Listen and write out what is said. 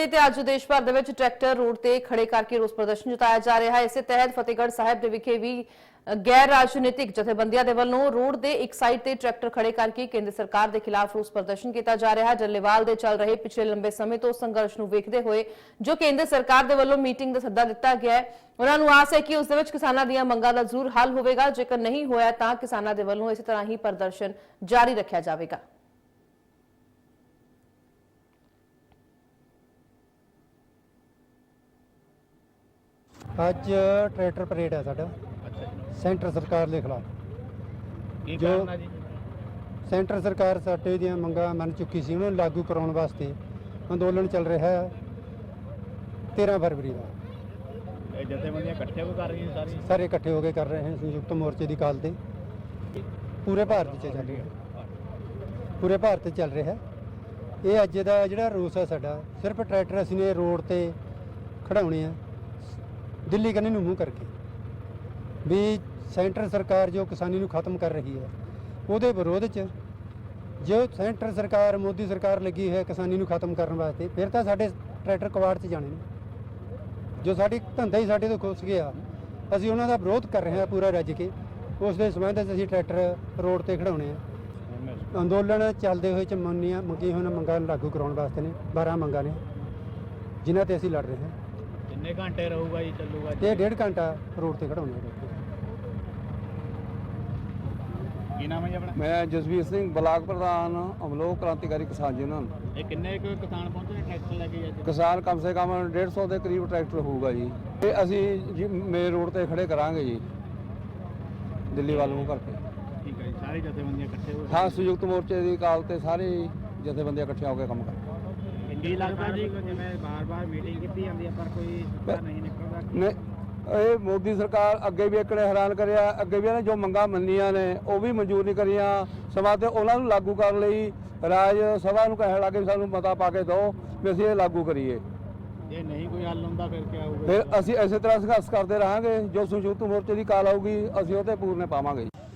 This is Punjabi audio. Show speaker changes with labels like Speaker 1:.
Speaker 1: ਤੇ ਅੱਜ ਦੇਸ਼ ਭਰ ਦੇ ਵਿੱਚ ਟਰੈਕਟਰ ਰੋਡ ਤੇ ਖੜੇ ਕਰਕੇ ਰੋਸ ਪ੍ਰਦਰਸ਼ਨ ਜਤਾਇਆ ਜਾ ਰਿਹਾ ਹੈ। ਇਸੇ ਤਹਿਤ ਫਤਿਹਗੜ੍ਹ ਸਾਹਿਬ ਦੇ ਵਿਖੇ ਵੀ ਗੈਰ ਰਾਜਨੀਤਿਕ ਜਥੇਬੰਦੀਆਂ ਦੇ ਵੱਲੋਂ ਰੋਡ ਦੇ ਇੱਕ ਸਾਈਡ ਤੇ ਟਰੈਕਟਰ ਖੜੇ ਕਰਕੇ ਕੇਂਦਰ ਸਰਕਾਰ ਦੇ ਖਿਲਾਫ ਰੋਸ ਪ੍ਰਦਰਸ਼ਨ ਕੀਤਾ ਜਾ ਰਿਹਾ ਹੈ। ਜੱਲੇਵਾਲ ਦੇ ਚੱਲ ਰਹੇ ਪਿਛਲੇ ਲੰਬੇ ਸਮੇਂ ਤੋਂ ਸੰਘਰਸ਼ ਨੂੰ ਵੇਖਦੇ ਹੋਏ ਜੋ ਕੇਂਦਰ ਸਰਕਾਰ ਦੇ ਵੱਲੋਂ ਮੀਟਿੰਗ ਦਾ ਸੱਦਾ ਦਿੱਤਾ ਗਿਆ ਹੈ, ਉਹਨਾਂ ਨੂੰ ਆਸ ਹੈ ਕਿ ਉਸ ਦੇ ਵਿੱਚ ਕਿਸਾਨਾਂ ਦੀਆਂ ਮੰਗਾਂ ਦਾ ਜ਼ਰੂਰ ਹੱਲ ਹੋਵੇਗਾ। ਜੇਕਰ ਨਹੀਂ ਹੋਇਆ ਤਾਂ ਕਿਸਾਨਾਂ ਦੇ ਵੱਲੋਂ ਇਸੇ ਤਰ੍ਹਾਂ ਹੀ ਪ੍ਰਦਰਸ਼ਨ ਜਾਰੀ ਰੱਖਿਆ ਜਾਵੇਗਾ।
Speaker 2: ਅੱਜ ट्रैक्टर परेड है साडा सेंटर सरकार के खिलाफ। जो सेंटर सरकार साडे दियां मंगां मन चुकी सी उन्हें लागू कराउण वास्ते अंदोलन चल रहा है 13 फरवरी का।
Speaker 3: जथेबंदियां इकट्ठे हो कर रही हैं,
Speaker 2: सारे इकट्ठे होकर कर रहे हैं संयुक्त मोर्चे की काल से पूरे भारत च चल रही है, पूरे भारत चल रहा है। ये अज का जिहड़ा रोस है साडा सिर्फ ट्रैक्टर असीं ने रोड ते खड़ाउणे आ दिल्ली कन्ने नूं मूँह करके भी सेंटर सरकार जो किसानी नूं खत्म कर रही है उहदे विरोध च जो सेंटर सरकार मोदी सरकार लगी है किसानी नूं खत्म करने वास्ते फिर तो साडे ट्रैक्टर कवाड़ च जाने ने। जो साडी धंधा ही साडे तो खुस गया असीं उन्हां दा विरोध कर रहे हैं पूरा रज के। उस दे संबंध च असीं ट्रैक्टर रोड ते खड़ाउणे आ। अंदोलन चलदे होए च मंगी होईਆਂ मंगां लागू कराउण वास्ते ने 12 मंगां ने जिन्हां ते असीं लड़ रहे हैं।
Speaker 3: कितने घंटे रहूगा जी, चलूगा जी?
Speaker 2: ये 1.5 घंटा रोड ते खड़ाउणे आ।
Speaker 3: ਕੀ ਨਾਮ ਹੈ ਜੀ ਆਪਣਾ?
Speaker 4: मैं जसवीर सिंह ब्लाक प्रधान अमलोक क्रांतिकारी किसान यूनियन।
Speaker 3: ਇਹ ਕਿੰਨੇ ਕੁ ਕਿਸਾਨ ਪਹੁੰਚੇ ਨੇ ਟਰੈਕਟਰ ਲੈ ਕੇ ਅੱਜ?
Speaker 4: किसान कम से कम 150 ਦੇ ਕਰੀਬ ਟਰੈਕਟਰ ਹੋਊਗਾ ਜੀ। ਇਹ ਅਸੀਂ ਜੀ ਮੇਨ ਰੋਡ ਤੇ ਖੜੇ ਕਰਾਂਗੇ ਜੀ ਦਿੱਲੀ ਵੱਲ ਨੂੰ ਕਰਕੇ।
Speaker 3: ਠੀਕ ਹੈ ਜੀ, ਸਾਰੀ ਜਥੇਬੰਦੀਆਂ ਇਕੱਠੇ ਹੋ
Speaker 4: ਹਾਂ, ਸੰਯੁਕਤ ਮੋਰਚੇ ਦੀ ਕਾਲ ਤੇ ਸਾਰੇ ਜਥੇਬੰਦੀਆਂ ਇਕੱਠੀਆਂ ਹੋ ਕੇ ਕੰਮ ਕਰਦੇ।
Speaker 3: ਕੀ ਲੱਗਦਾ ਜੀ ਜਿਵੇਂ ਬਾਰ-ਬਾਰ ਮੀਟਿੰਗ ਕੀਤੀ ਜਾਂਦੀ ਹੈ ਪਰ ਕੋਈ ਸੁਧਾਰ ਨਹੀਂ ਨਿਕਲਦਾ?
Speaker 4: ਨੇ ਇਹ ਮੋਦੀ ਸਰਕਾਰ ਅੱਗੇ ਵੀ ਇਕੜੇ ਹੈਰਾਨ ਕਰਿਆ, ਅੱਗੇ ਵੀ ਇਹਨੇ ਜੋ ਮੰਗਾਂ ਮੰਨੀਆਂ ਨੇ ਉਹ ਵੀ ਮਨਜ਼ੂਰ ਨਹੀਂ ਕਰੀਆਂ। ਸਮਾਂ ਤੇ ਉਹਨਾਂ ਨੂੰ ਲਾਗੂ ਕਰਨ ਲਈ ਰਾਜ ਸਭਾ ਨੂੰ ਕਹਿਣ ਲੱਗੇ ਸਾਨੂੰ ਮਤਾ ਪਾ ਕੇ ਦਿਓ ਵੀ ਅਸੀਂ ਇਹ ਲਾਗੂ ਕਰੀਏ।
Speaker 3: ਜੇ ਨਹੀਂ ਕੋਈ ਹੱਲ ਹੁੰਦਾ ਫਿਰ ਕੀ ਹੋਊਗਾ?
Speaker 4: ਫਿਰ ਅਸੀਂ ਇਸੇ ਤਰ੍ਹਾਂ ਸੰਘਰਸ਼ ਕਰਦੇ ਰਹਾਂਗੇ। ਜੋ ਸੰਯੁਕਤ ਮੋਰਚੇ ਦੀ ਕਾਲ ਆਊਗੀ ਅਸੀਂ ਉਹ ਤੇ ਪੂਰਨੇ ਪਾਵਾਂਗੇ।